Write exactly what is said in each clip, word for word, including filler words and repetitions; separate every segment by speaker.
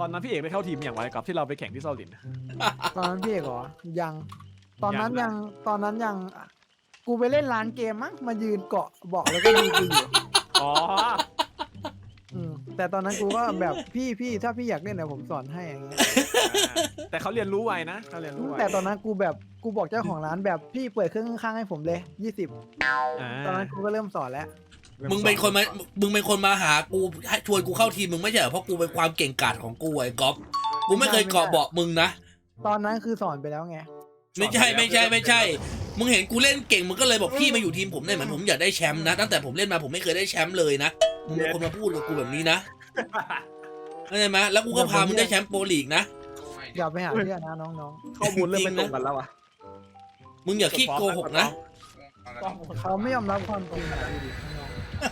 Speaker 1: ตอนนั้นพี่เอกไปเข้าทีมอย่างไรกับที่เราไปแข่งที่เซาหลิน
Speaker 2: ตอนนั้นพี่เอกเหรอยังตอนนั้นยังตอนนั้นยังกูไปเล่นร้านเกมมั้งมายืนเกาะเบาะแล้วก็ดูกูอยู่
Speaker 1: อ๋อ
Speaker 2: อืมแต่ตอนนั้นกูก็แบบพี่พี่ถ้าพี่อยากเล่นเดี๋ยวผมสอนให้อย่างเงี้ย
Speaker 1: แต่เขาเรียนรู้ไวนะเขาเรียนรู้ไว
Speaker 2: แต่ตอนนั้นกูแบบกูบอกเจ้าของร้านแบบพี่เปิดเครื่องข้างๆให้ผมเลยยี่สิบ
Speaker 1: อ่า
Speaker 2: ตอนนั้นกูก็เริ่มสอนแล้ว
Speaker 3: มึงเป็นคนมามึงเป็นคนมาหากูให้ชวนกูเข้าทีมมึงไม่ใช่เหรอเพราะกูเป็นความเก่งกาจของกูไอ้ก๊อฟกูไม่เคยเกาะเบาะมึงนะ
Speaker 2: ตอนนั้นคือสอนไปแล้วไง
Speaker 3: ไม่ใช่ไม่ใช่ไม่ใช่ มึงเห็นกูเล่นเก่งมึงก็เลยบอกพี่มาอยู่ทีมผมได้เหมือนผมอยากได้แชมป์นะตั้งแต่ผมเล่นมาผมไม่เคยได้แชมป์เลยนะมึงเป็นคนมาพูดกับกูแบบนี้นะเข้าใจไหมแล้วกูก็พามึงได้แชมป์โปรลีกนะ
Speaker 2: อย่าไปหาเพื่อนนะน้อง
Speaker 1: ข้อมูลเริ่มไม่ตรงกันแล้วอ่ะ
Speaker 3: มึงอย่าขี้โกหกนะ
Speaker 2: ๆเขาไม่ยอมรับความจริงอะดูดิน้อง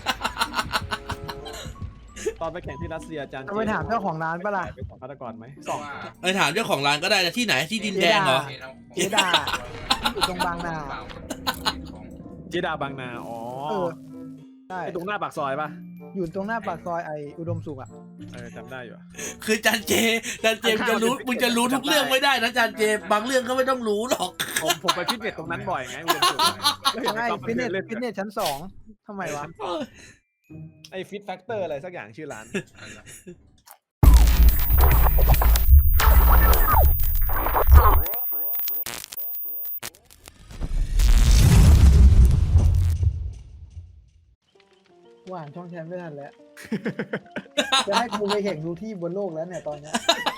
Speaker 1: ตอนไปแข่งที่รัสเซียอาจารย์
Speaker 2: จะไปถามเจ้าของร้านปะล่ะ
Speaker 1: ไปสองฆาตกรไหมสอง
Speaker 3: ไปถามเจ้าของร้านก็ได้นะที่ไหนที่ดินแดงเหรอ
Speaker 2: เจดาอยู่ตรงบางนา
Speaker 1: เจดาบางนาอ๋อ
Speaker 2: เออใช่
Speaker 1: ไอตรงหน้าปากซอยป่ะ
Speaker 2: อยู่ตรงหน้าปากซอยไออุดมสุขอ่ะ
Speaker 1: เออจำได้อยู่อะ
Speaker 3: คือจันเจจันเจมึงจะรู้มึงจะรู้ทุกเรื่องไม่ได้นะจันเจบางเรื่องก็ไม่ต้องรู้หรอก
Speaker 1: ผมผมไปฟิตเนสตรงนั้นบ่อยไงอุดมสุขแล้วเห็น
Speaker 2: ใช่
Speaker 1: ไอ้ก๊อฟ
Speaker 2: ฟิตเนส
Speaker 1: เล่น
Speaker 2: ฟิตเนสชั้นสองทำไมวะ
Speaker 1: ไอฟิตแฟกเตอร์อะไรสักอย่างชื่อร้าน
Speaker 2: ว่านช่องแชมป์ไม่ทันแล้ว จะให้กูไปแข่งดูที่บนโลกแล้วเนี่ยตอนเนี้ย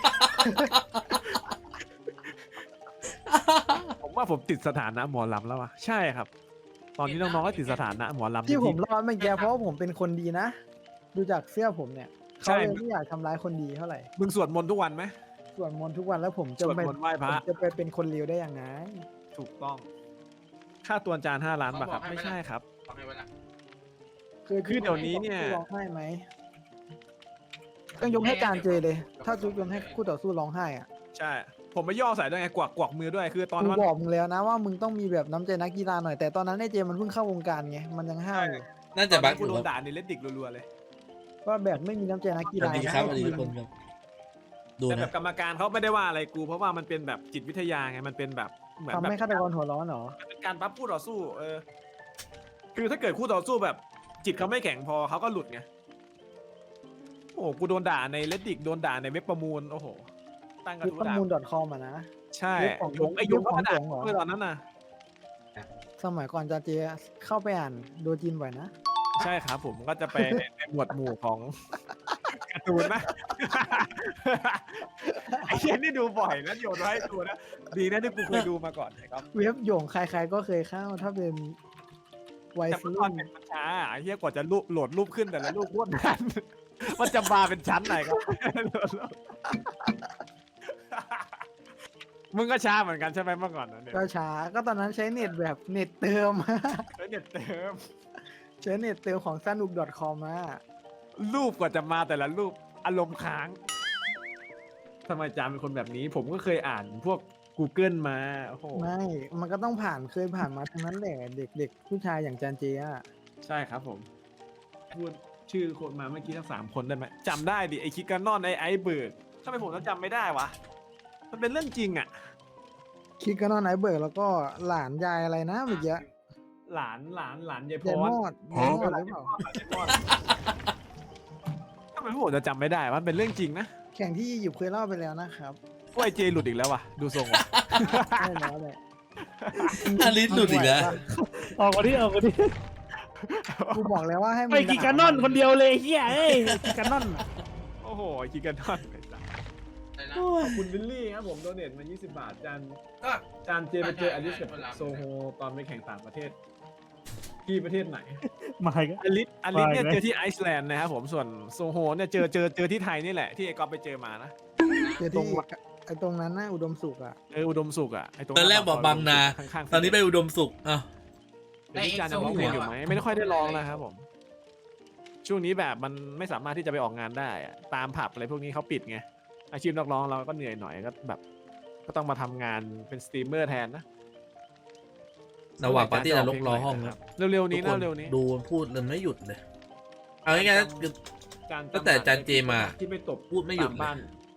Speaker 1: ผมว่าผมติดสถานะหมอลำแล้วอ่ะใช่ครับ ตอนนี้น้องๆก็ติดสถานะหมอลำ
Speaker 2: ที่ผมรอดเมื่อกี้เพราะว่าผมเป็นคนดีนะ ดูจากเสื้อผมเนี่ย
Speaker 1: ใช่
Speaker 2: เขาเลยไม่อยากทำร้ายคนดีเท่าไหร่
Speaker 1: มึงสวดมนต์ทุกวันไหม
Speaker 2: สวดมนต์ทุกวันแล้วผมจะ
Speaker 1: สวด
Speaker 2: ไป
Speaker 1: มนต์ไหว้พ
Speaker 2: ผม
Speaker 1: ระ
Speaker 2: จะไปเป็นคนเลวได้ยังไง
Speaker 1: ถูกต้อง ค่าตัวจานห้าล้านบาทครับไม่ใช่ครับ
Speaker 2: คือ
Speaker 1: คือเดี๋ยวนี้เนี่ย
Speaker 2: ร้องไห้ไหมต้องยกให้การเจเลย ถ้าจุกยกให้คู่ต่อสู้ร้องไห้อ่ะ
Speaker 1: ใช่ ผมไม่ย่อใส่ด้วยไงกวักกวักมือด้วยคือตอน
Speaker 2: กู
Speaker 1: นั้น
Speaker 2: บอกมึงแล้วนะว่ามึงต้องมีแบบน้ำใจนักกีฬาหน่อยแต่ตอนนั้นไอ้เจมันเพิ่งเข้าวงการไงมันยังห้าวอยู่
Speaker 3: น่า
Speaker 1: ต
Speaker 3: จะ
Speaker 1: อน
Speaker 3: บั
Speaker 1: นั้
Speaker 3: ก
Speaker 1: นกูโดนด่าในเลดดิกรัวๆเลย
Speaker 2: ว่าแบบไม่มีน้ำใจนักกี
Speaker 3: สวั
Speaker 2: ฬา
Speaker 3: สดีครับสวัสดีทุกคนครับดู
Speaker 1: แต่แบ
Speaker 3: นะ
Speaker 1: บกรรมการเขาไม่ได้ว่าอะไรกู เพราะว่ามันเป็นแบบจิตวิทยาไงมันเป็นแบบเหมือน
Speaker 2: ทำ
Speaker 1: แบบ
Speaker 2: ให้ฆาตกรหัวร้อนเหรอ
Speaker 1: มันเป็นการปั๊บคู่ต่อสู้ เออ คือถ้าเกิดคู่ต่อสู้แบบ จิตเขาไม่แข็งพอเขาก็หลุดไงโอ้โหกูโดนด่าในเลดดิกโดนด่าในเว็บประมูลโอ้โหตั้งกระ
Speaker 2: เว็บ
Speaker 1: ทู้
Speaker 2: ประ
Speaker 1: ด่า
Speaker 2: มูล .com อ่ะนะ
Speaker 1: ใช่
Speaker 2: เว็บของ
Speaker 1: หยงไอหยง
Speaker 2: เว็บ
Speaker 1: ก็
Speaker 2: ของ
Speaker 1: มาด่า
Speaker 2: หยงเหรอ
Speaker 1: เมื่อตอนนั้นน่ะ
Speaker 2: สมัยก่อนจะเจเข้าไปอ่านโดจินบ่อยนะ
Speaker 1: ใช่ครับผมก็จะไปในหมวดหมู่ของการ์ตูนนะ ไอ้เช่นนี่ดูบ่อยนะโยนไว้ให้ดูนะดีนะที่กูเคยดูมาก่อนนะครับ
Speaker 2: เว็บโยงใครๆก็เคยเข้าถ้าเป็นวัย
Speaker 1: แต่เมื่อต
Speaker 2: รุ่
Speaker 1: อน
Speaker 2: น
Speaker 1: เป็นมันช้าไอ้เหี้ยกว่าจะรูปโหลดรูปขึ้นแต่ละรูปโคตรนาน มันจะมาเป็นชั้นไหนครับ มึงก็ช้าเหมือนกันใช่ไหมเมื่อก่อนนะเนี่ย
Speaker 2: ก็ช้าก็ตอนนั้นใช้เน็ตแบบเน็ตเติม
Speaker 1: เฮ้ยเน็ตเติม
Speaker 2: ใช้เน็ตเติมของสนุก .com มา
Speaker 1: รูปกว่าจะมาแต่ละรูปอารมณ์ค้างทำไมจามเป็นคนแบบนี้ ผมก็เคยอ่านพวก Google มาโอ้โห
Speaker 2: ไม่ มันก็ต้องผ่านเคยผ่านมาทั้งนั้นแหละเด็กเด็กผู้ชายอย่างจานเจอ่ะ
Speaker 1: ใช่ครับผมพูดชื่อคนมาเมื่อกี้ทั้งสามคนได้ไหมจำได้ดิไอคิกานอนไอไอเบิร์ดทำไมผมต้องจำไม่ได้วะมันเป็นเรื่องจริงอ่ะ
Speaker 2: คิดก็นอนไหนเบิร์กแล้วก็หลานยายอะไรนะเมื่อกี้
Speaker 1: หลานหลานหลานยายพ
Speaker 2: ยาย
Speaker 1: ร
Speaker 2: มอดยายมอดหรือเปล่า
Speaker 1: ทำไมผมจะจำไม่ได้มันเป็นเรื่องจริงนะ
Speaker 2: แข่งที่หยิบเคยเล่าไปแล้วนะครับ
Speaker 1: ว่าไอเจหลุดอีกแล้ววะดูทรงวะ
Speaker 2: ได้แล้วแหละ
Speaker 3: อลิสหลุดอีกแล้ว
Speaker 4: ออกมาดิออกมาดิ
Speaker 2: กูบอกแล้วว่าให้มึง
Speaker 4: ไปกินกันนอนคนเดียวเลยเฮียเอ้ยกินกันนอน
Speaker 1: โอ้โหคิกานอนไอ้สัสขอบคุณวิลลี่ครับผมโดเนทมายี่สิบบาทจานจานเจไปเจออลิสกับโซโฮตอนไปแข่งต่างประเทศที่ประเทศไหน
Speaker 4: มาอีก
Speaker 1: อลิสอลิสเนี่ย
Speaker 4: ไปไหม
Speaker 1: เจอที่ไอซ์แลนด์นะครับผมส่วนโซโฮเนี่ยเจอเจอเจอที่ไทยนี่แหละที่ไอ้ก๊อฟไปเจอมานะ
Speaker 2: เจอที่ไอ้ตรงนั้นน่ะอุดมสุขอ่ะ
Speaker 1: เอออุดมสุขอ่ะไอ้ตรง
Speaker 3: ตอนแรกบอกบางนา
Speaker 1: ข้างๆ
Speaker 3: ตอนนี้ไปอุดมสุขอ่ะ
Speaker 1: เดี๋ยวนี้จานยังร้องเพลงอยู่ไหมไม่ได้ค่อยได้ร้องแล้วครับผมช่วงนี้แบบมันไม่สามารถที่จะไปออกงานได้อะตามผับอะไรพวกนี้เขาปิดไงอาชีพนักร้องเราก็เหนื่อยหน่อยก็แบบ ก็ต้องมาทำงานเป็นสตรีมเมอร์แทนนะ
Speaker 3: ระหว่างปาร์ตี้นรกรอห้องนะ
Speaker 1: เร็วๆนี้
Speaker 3: ทุกค
Speaker 1: นะเร็วๆนี้
Speaker 3: ดูพูดเลยไม่หยุดเลยเอาง่ายๆนะคือ
Speaker 1: การ
Speaker 3: ตั้งแต่จานเจมา
Speaker 1: ที่ไปตบ
Speaker 3: พูดไม่หยุด
Speaker 1: ตาม
Speaker 3: เลย
Speaker 1: บ้าน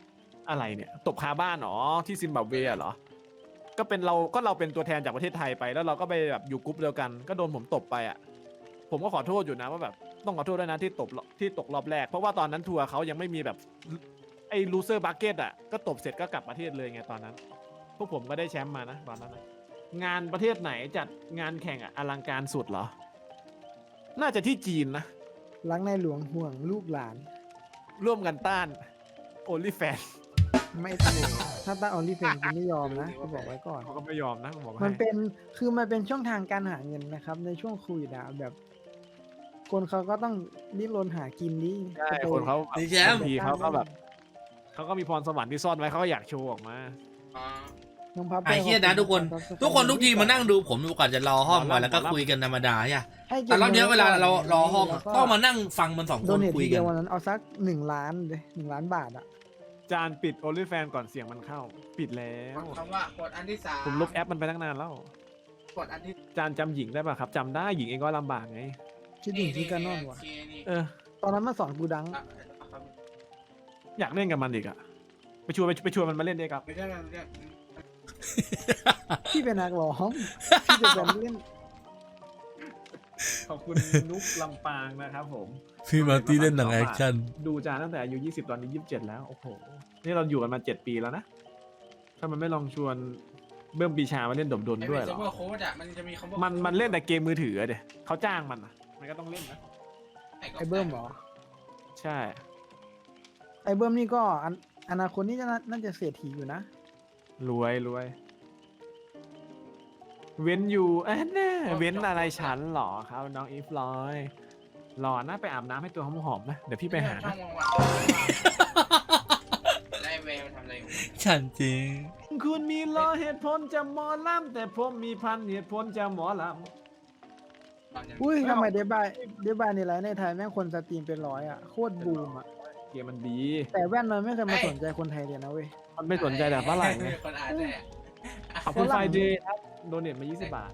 Speaker 1: อะไรเนี่ยตบคาบ้านเหรอที่ซิมบับเวเหรอก็เป็นเราก็เราเป็นตัวแทนจากประเทศไทยไปแล้วเราก็ไปแบบอยู่กรุ๊ปเดียวกันก็โดนผมตบไปอ่ะผมก็ขอโทษอยู่นะว่าแบบต้องขอโทษด้วยนะที่ตบที่ตกรอบแรกเพราะว่าตอนนั้นทัวร์เขายังไม่มีแบบไอ้ลูเซอร์บัคเก็ตอ่ะก็ตบเสร็จก็กลับประเทศเลยไงตอนนั้นพวกผมก็ได้แชมป์มานะตอนนั้นนะงานประเทศไหนจัดงานแข่งอ่ะอลังการสุดเหรอน่าจะที่จีนนะ
Speaker 2: รักในหลวงห่วงลูกหลาน
Speaker 1: ร่วมกันต้านโอลิแฟน
Speaker 2: ไม่ถูกถ้าตั้งออลิเฟนกูไม่ยอมนะกูบอกไว้ก่อน
Speaker 1: เขาก็ไม่ยอมนะผมบอกให้
Speaker 2: มันเป็นคือมันเป็นช่องทางการหาเงินนะครับ ในช่วงโควิดอะแบบ คนเขาก็ต้องดิ้นรนหากินดิ
Speaker 1: ใช่
Speaker 2: จะไป
Speaker 1: คนเขา
Speaker 3: นี่แชมป์
Speaker 1: บางทีเขาก็แบบเขาก็มีพรสวรรค์ที่ซ่อนไว้เขาก็อยากโชว์ออกมา
Speaker 2: น้องพับ
Speaker 3: ไอ้เหี้ยนะทุกคน ทุกคนทุกทีมานั่งดูผมก่อนจะรอห้องก่อนแล้วก็คุยกันธรรมดาใช่
Speaker 2: ให้ก็
Speaker 3: แต่รอบเนี้ยเวลาเรารอห้อง
Speaker 2: แล้วก็
Speaker 3: ต้องมานั่งฟังมันสอง
Speaker 2: โด
Speaker 3: คน
Speaker 2: เนท
Speaker 3: คุย
Speaker 2: ที
Speaker 3: กั
Speaker 2: เดี
Speaker 3: น
Speaker 2: ยววันนั้นเอาสักหนึ่งล้านเลยหนึ่งล้านบาทอะ
Speaker 1: จานปิดโอลิแฟนก่อนเสียงมันเข้า ปิดแล้ว
Speaker 5: คำว่ากดอันที่สาม
Speaker 1: ผมลบแอปมันไปตั้งนานแล้ว
Speaker 5: กดอันที่
Speaker 1: จานจำหญิงได้ป่ะครับจำได้หญิงเองก็ลำบากไง
Speaker 2: คิดถึงที่กันนอนวะ
Speaker 5: นี่
Speaker 1: เออ
Speaker 2: ตอนนั้นมาสอนกูดัง
Speaker 5: อ่ะครับ
Speaker 1: อยากเล่นกับมันอีกอะไปชวนไปไปชวนมันมาเล่นด้วยครับ
Speaker 5: ไม่ใช่ไม่ใช่
Speaker 2: พี่เป็นนักร้องพี่จะเป็นเล่น
Speaker 1: ขอบคุณนุ๊กลำปางนะครับผม
Speaker 3: พี่มาร์ตี้เล่นหนังแอคชั่น
Speaker 1: ดูจานตั้งแต่อายุยี่สิบตอนนี้ยี่สิบเจ็ดแล้วโอ้โหนี่เราอยู่กันมาเจ็ดปีแล้วนะถ้ามันไม่ลองชวนเบิ้มปีชามาเล่นดบดน
Speaker 5: ไอ้
Speaker 1: ด้วย
Speaker 5: เป็น
Speaker 1: เหร
Speaker 5: เซิร์ฟเวอ
Speaker 1: อ
Speaker 5: ร์โค้ดอ่ะมันจะมีคำว่า
Speaker 1: มันมันเล่นแต่เกมมือถือเดี๋ยเขาจ้างมันอะมันก็ต้องเล่นนะ
Speaker 2: ไอ้เบิ้มเหรอ
Speaker 1: ใช่
Speaker 2: ไอ้เบิ้มนี่ก็อันอนาคตนี่จะน่าน่าจะเศรษฐีอยู่นะ
Speaker 1: รวยรวยเว้นอยู่เอ้ยแน่เว้นอะไรฉันเหรอครับน้องอีฟลอยหล่อนะไปอาบน้ำให้ตัวหอมๆนะเดี๋ยวพี่ไปหา
Speaker 5: ช่อ
Speaker 1: นะ
Speaker 5: งวางๆไล่แววทำอะไรอยู่
Speaker 3: ฉันจริง
Speaker 1: คุณมีรอเหตุผลจะหมอลำแต่ผมมีพันเหตุผลจะหมอล
Speaker 5: ตอนยัง
Speaker 2: อุ้ยทำไมเดบายเดบายในไลฟ์ในไทยแม่งคนสตรีมเป็นร้อยอ่ะโคตรบูมอ่ะ
Speaker 1: ำเกมมันดี
Speaker 2: แต่แว่นมันไม่เคยมาสนใจคนไทยเลยนะเว้ย
Speaker 1: มันไม่สนใจแต่ฝรั่งไง
Speaker 5: คนอ่านแต่
Speaker 1: ขอบคุณไฟเดย์ครับโดเนทมายี่สิบบาท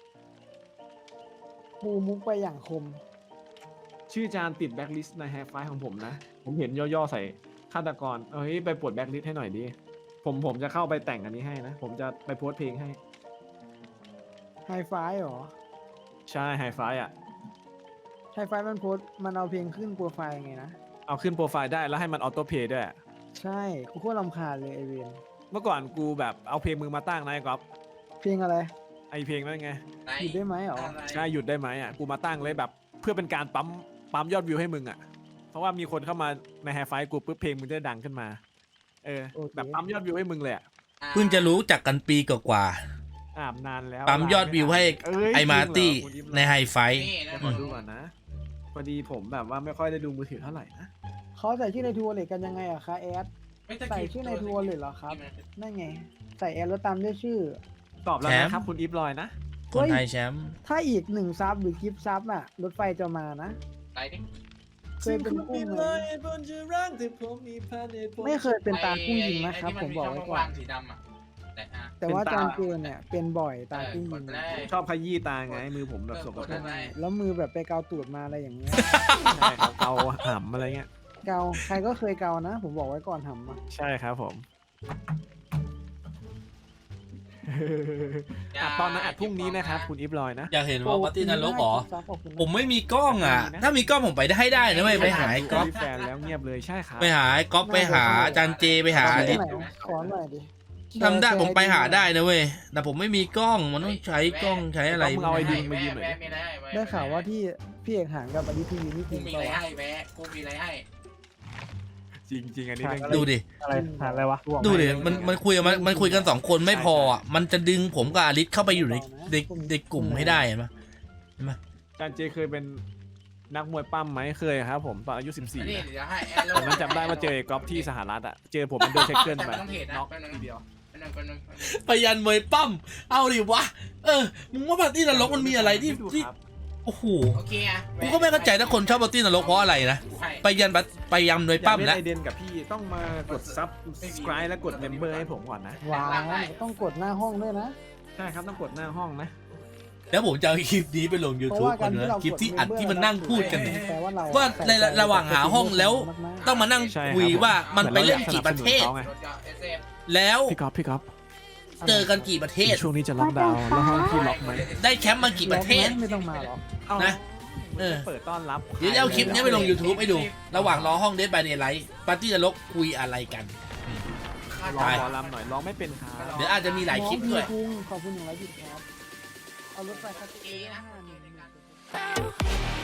Speaker 2: ปูมุกไปอย่างคม
Speaker 1: ชื่อจานติดแบ็คลิสต์ในแฮปไฟล์ของผมนะ ผมเห็นย่อๆใส่ฆาตกร เอ้ยไปปลดแบ็คลิสต์ให้หน่อยดิ ผมผมจะเข้าไปแต่งอันนี้ให้นะ ผมจะไปโพสต์เพลงให้
Speaker 2: ไฮไฟหรอ
Speaker 1: ใช่ไฮไฟล์อ่ะ
Speaker 2: ไฮไฟมันโพสต์มันเอาเพลงขึ้นโปรไฟล์ไงนะ
Speaker 1: เอาขึ้นโปรไฟล์ได้แล้วให้มันออโต้เพลย์ด้วย
Speaker 2: ใช่กูโคตรรำคาญเลยไอเวน
Speaker 1: เมื่อก่อนกูแบบเอาเพลงมึงมาตั้งนะไอ้ก๊อฟ
Speaker 2: เพลงอะไร
Speaker 1: ไอเพลงนั่นไง
Speaker 2: หยุดได้ไหมหรอ
Speaker 1: ใช่หยุดได้ไหมอ่ะ กูมาตั้งเลยแบบเพื่อเป็นการปั๊มปั๊มยอดวิวให้มึงอ่ะ เพราะว่ามีคนเข้ามาในไฮไฟล์กูปุ๊บเพลงมึงจะดังขึ้นมา เออ
Speaker 2: โอเค
Speaker 1: แบบปั๊มยอดวิวให้มึงเลยอะ
Speaker 3: เพิ่งจะรู้จักกันปีกว่า
Speaker 1: อาบนานแล้ว
Speaker 3: ปั๊มยอดวิวให้
Speaker 1: เย
Speaker 3: ๆไอมาร์ตี้
Speaker 1: จริงเหรอ
Speaker 3: ในไฮไฟ
Speaker 5: นี่นะ
Speaker 1: ขอดูก่อนนะ พอดีผมแบบว่าไม่ค่อยได้ดูมือถือเท่าไหร่นะ
Speaker 2: เขาใส่ชื่อในทัวร์เลยกันยังไงอะคะแอด ใส่ชื่อในทัวร์เลยเหรอครับ นั่นไง ใส่แอดแล้วตามด้วยชื่อ
Speaker 1: ตอบแล้ว
Speaker 3: แชมป์
Speaker 1: นะครับคุณอีฟลอยนะ
Speaker 3: คนไทยแชมป์
Speaker 2: ถ้าอีกหนึ่งซับหรือกิฟต์ซับอะรถไฟจะมานะ
Speaker 5: ไล่ดิ
Speaker 2: เคยเป็นกุ้งไหมไม่เคยเป็นตากุ้งยิงนะครับ ผมบอกไว้ก่อน
Speaker 5: สีดำอ่ะแต่อ่ะ
Speaker 2: แต่ว่า
Speaker 1: เป็น
Speaker 2: จา
Speaker 1: ตา
Speaker 2: นเจนเนี่ยเป็นบ่อยตากุ้ง
Speaker 5: ก
Speaker 2: ยิ
Speaker 5: ด
Speaker 2: ง
Speaker 5: ไปเลย
Speaker 1: ชอบขยี้ตาไงมือผมแบบสกปรก
Speaker 5: เออ
Speaker 1: ใ
Speaker 2: แล้วมือแบบไปเกาตูดมาอะไรอย่างเงี้ย
Speaker 1: ช่ครับเอาหำอะไรเงี้ย
Speaker 2: เกาใครก็เคยเกานะ ผมบอกไว้ก่อนทำอะ
Speaker 1: ใช่ครับผมอัดตอนนั้นอัดพรุ่งนี้นะครับคุณอีฟลอยนะ
Speaker 3: อยากเห็นว่าปาร์ตี้นรกเหรอ
Speaker 2: ซับขอบคุณนะ
Speaker 3: ผมไม่มีกล้องอ่ะ
Speaker 1: มีนะ
Speaker 3: ถ้ามีกล้องผมไปได้ได้นะเว้ยไปหาไอ้ก๊อฟ
Speaker 1: มีแฟนแล้วเงียบเลยใช่ครับ
Speaker 3: ไปหาไอ้ก๊อฟไปหาอาจันเจไปหา
Speaker 2: ขอ
Speaker 3: อลิศ
Speaker 2: หน่อยขอหน่อยดิ
Speaker 3: ทำได้ผมไปหาได้นะเว้ยแต่ผมไม่มีกล้องมันต้องใช้กล้องใช้อะไร
Speaker 1: มึงเอาไอดีมายืมหน่อย
Speaker 5: แวะ
Speaker 1: ดิ
Speaker 5: มีอะไรให้แะ
Speaker 2: ได้ข่าวว่าที่พี่เอกหางกับอดิทีวีนี่จ
Speaker 5: กู
Speaker 2: ริง
Speaker 5: มี
Speaker 2: เป
Speaker 5: อะไร
Speaker 2: ล่าวะ
Speaker 5: ให้แวะกูมีอะไรให้
Speaker 1: จริงจริงๆอันนี้เรื่อง
Speaker 3: ดูดิ
Speaker 4: อะไรหาอะไรวะ
Speaker 3: ดูดิมันมันคุยกันมันมันคุยกันสองคนไม่พออ่ะมันจะดึงผมกับอลิศเข้าไปอยู่ในในในกลุ่มให้ได้เห็นปะ
Speaker 1: จานเจเคยเป็นนักมวยปั้มไหมเคยครับผมตอนอายุสิบสี่
Speaker 5: นี่เดี๋ยวให้แอด
Speaker 1: ตอนนั้นจำได้ว่าเจอไอ้ก๊อฟที่สหรัฐอ่ะเจอผมเป็นโดนเช็คเกิล
Speaker 5: แต่
Speaker 1: ไป
Speaker 5: มันต้องเทรดนะ
Speaker 1: น็อก
Speaker 5: แป๊บนึง
Speaker 1: ทีเดียว
Speaker 5: แป๊บนึงแป๊บนึง
Speaker 3: พยันมวยปั้มเอาดิวะเออมึงว่าปาร์ตี้นรกมันมีอะไรที่
Speaker 1: ดู
Speaker 3: ที่
Speaker 1: ครับ
Speaker 3: โอ้โห
Speaker 5: โอเคอ่ะ
Speaker 3: กูก็ไม่เข้าใจถ้าคนชอบปาร์ตี้นรกเพราะอะไรนะ
Speaker 5: ใช่
Speaker 3: ไปยันบัตไปยำมวย
Speaker 1: อยา
Speaker 3: ปั้
Speaker 1: ก
Speaker 3: ม
Speaker 1: เล่น
Speaker 3: นะ
Speaker 1: ไอเดนกับพี่ต้องมากดซับสไครต์และกดเมมเบอร์ให้ผมก่อนนะ
Speaker 2: ว้าวต้องกดหน้าห้องด้วยนะ
Speaker 1: ใช่ครับต้องกดหน้าห้องนะ
Speaker 3: แล้วผมจะเอาคลิปนี้ไปลง
Speaker 2: เพราะ
Speaker 3: YouTube
Speaker 2: ว่า
Speaker 3: กั
Speaker 2: กาน รที่
Speaker 3: นะ
Speaker 2: เรา
Speaker 3: คลิปที่อัดที่มันนั่งพูดกันเนี่ย
Speaker 2: แปลว่าเรา
Speaker 3: ว่าในระหว่างหาห้องแล้ว ต้องมานั่ง
Speaker 1: ใช่รับ
Speaker 3: คุยว่ามันไปเล่นกี่ประเทศ
Speaker 1: หมือนราอยากสนับสนุนเขาไง
Speaker 5: รถยนต์เอสเอ็ม
Speaker 3: แล้ว
Speaker 1: พี่ก๊อฟพี่ก๊อฟ
Speaker 3: เจอกันกี่ประเทศ
Speaker 1: ช่วงนี้จะล็อกดาวน์แล้วห้องพี่ล็อกไหม
Speaker 3: ได้แชมป์มากี่ประเทศ
Speaker 2: ไม่ต้องมาหรอก
Speaker 1: เอา
Speaker 3: นะเออ
Speaker 1: เปิดต้อนรับ
Speaker 3: เดี๋ยวจะเอาคลิปนี้ไปลง YouTube ให้ดู ระหว่างรอห้องเดทบายเดย์ไลท์ปาร์ตี้นรกคุยอะไรกัน
Speaker 1: ร้องหมอลำหน่อยร้องไม่เป็นครับ
Speaker 3: เดี๋ยวอาจจะมีหลายคลิปด้วย
Speaker 2: น้องพี่กุ้งขอบคุณอย่างไรพี่ครับเอารถไฟคันเอห้าหนึ่ง